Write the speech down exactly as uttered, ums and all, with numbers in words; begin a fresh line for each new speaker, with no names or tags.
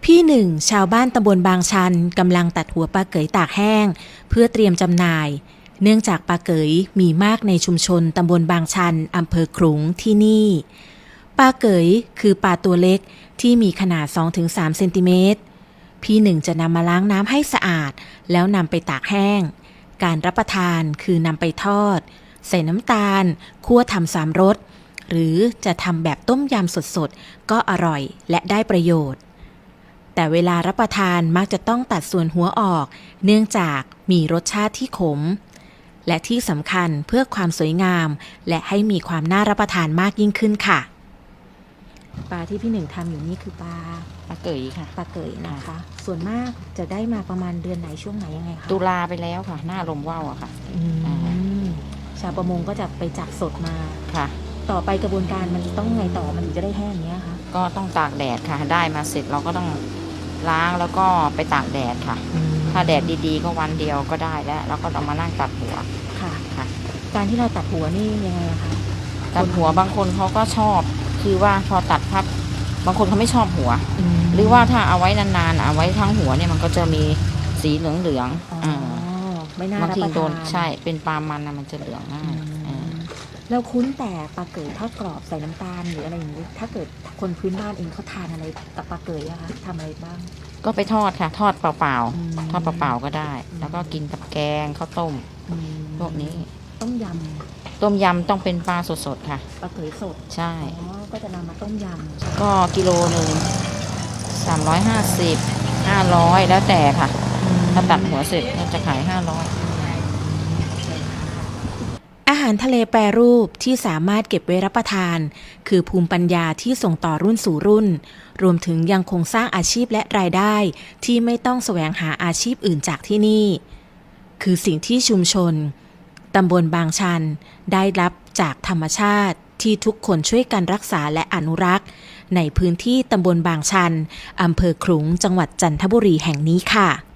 พี่หนึ่งชาวบ้านตำบลบางชันกำลังตัดหัวปลาเก๋ยตากแห้งเพื่อเตรียมจำหน่าย เนื่องจากปลาเก๋ยมีมากในชุมชนตำบลบางชันอำเภอขลุงที่นี่ปลาเก๋ยคือปลาตัวเล็กที่มีขนาด สองถึงสาม เซนติเมตรพี่หนึ่งจะนำมาล้างน้ำให้สะอาดแล้วนำไปตากแห้งการรับประทานคือนำไปทอดใส่น้ำตาลคั่วทำสามรสหรือจะทำแบบต้มยำสดๆก็อร่อยและได้ประโยชน์แต่เวลารับประทานมักจะต้องตัดส่วนหัวออกเนื่องจากมีรสชาติที่ขมและที่สำคัญเพื่อความสวยงามและให้มีความน่ารับประทานมากยิ่งขึ้นค่ะปลาที่พี่หนึ่งทำอยู่นี่คือปลา
ปลาเกยค่ะ
ปลาเกยนะคะส่วนมากจะได้มาประมาณเดือนไหนช่วงไหนยังไงคะ
ตุลาไปแล้วค่ะหน้าลมว่าวอะค่ะ
ชาวประมงก็จะไปจับสดมา
ค่ะ
ต่อไปกระบวนการมันต้องไงต่อมันถึงจะได้แห้งเนี้ยคะ
ก็ต้องตากแดดค่ะได้มาเสร็จเราก็ต้องล้างแล้วก็ไปตากแดดค่ะถ้าแดดดีๆก็วันเดียวก็ได้แล้วแล้วก็เอามานั่งตัดหัว
ค่ะค่ะการที่เราตัดหัวนี่ยังไงคะ
ตัดหัวบางคนเขาก็ชอบคือว่าพอตัดพับบางคนเขาไม่ชอบหัวหรือว่าถ้าเอาไว้นานๆเอาไว้ทั้งหัวเนี่ยมันก็จะมีสีเหลืองๆอ่า
ไม่น่ารับประทานบางทีโดน
ใช่เป็นปลามันนะมันจะเหลืองง่าย
เราคุ้นแต่ปลาเกยทอดกรอบใส่น้ำตาลหรืออะไรอย่างนี้ถ้าเกิดคนพื้นบ้านเองเขาทานอะไรกับปลาเกยอะคะทำอะไรบ้าง
ก็ไปทอดค่ะทอดเปล่าๆทอดเปล่าๆก็ได้แล้วก็กินกับแกงข้าวต้มพวกนี้
ต้มย
ำต้มยำต้องเป็นปลาสดๆค่ะ
ปลาเกยสด
ใช่
อ๋อก็จะนำมาต้มยำ
ก็กิโลหนึ่งสามร้อยห้าสิบห้าร้อยแล้วแต่ค่ะถ้าตัดหัวเสร็จเราจะขายห้าร้อย
อาหารทะเลแปรรูปที่สามารถเก็บไว้รับประทานคือภูมิปัญญาที่ส่งต่อรุ่นสู่รุ่นรวมถึงยังคงสร้างอาชีพและรายได้ที่ไม่ต้องแสวงหาอาชีพอื่นจากที่นี่คือสิ่งที่ชุมชนตำบลบางชันได้รับจากธรรมชาติที่ทุกคนช่วยกันรักษาและอนุรักษ์ในพื้นที่ตำบลบางชันอำเภอขลุงจังหวัดจันทบุรีแห่งนี้ค่ะ